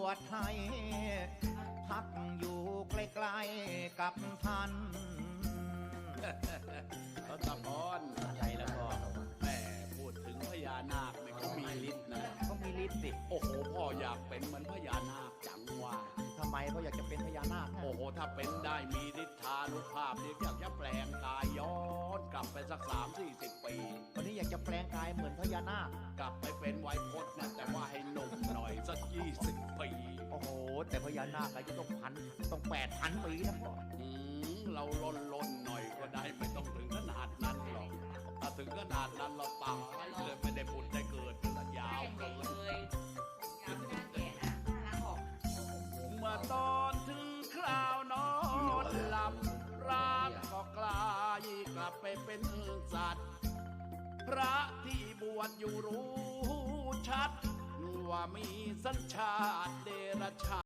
ชให้พักอยู่ใกล้ๆกับท่านรัตพรอะไรแล้วก็แม่พูดถึงพญานาคเนี่ยเขามีฤทธิ์นะเขามีฤทธิ์สิโอ้โหพ่ออยากเป็นเหมือนพญานาคจังว่าทำไมเขาอยากจะเป็นพญานาคโอ้โหถ้าเป็นได้มีฤทธานุภาพเนี่ยอยากจะแปลงกายย้อนกลับไปสัก30-40 ปีวันนี้อยากจะแปลงกายเหมือนพญานาคกลับไปเป็นไวยพจน์นะแต่ว่าให้หนุ่มหน่อยสัก20 ปีโอ้โหแต่พญานาคอายุต้อง8,000 ปีนะพ่อเราล่นหน่อยก็ได้ไม่ต้องถึงขนาดนั้นหรอกถ้าถึงขนาดนั้นเราตายเลยไม่ได้บุญได้เกิดระยาวเลยเมื่อตอนถึงคราวนอนหลับร่างก็กลายกลับไปเป็นสัตว์พระที่บวชอยู่รู้ชัดว่ามีสัญชาติเดรัจฉาน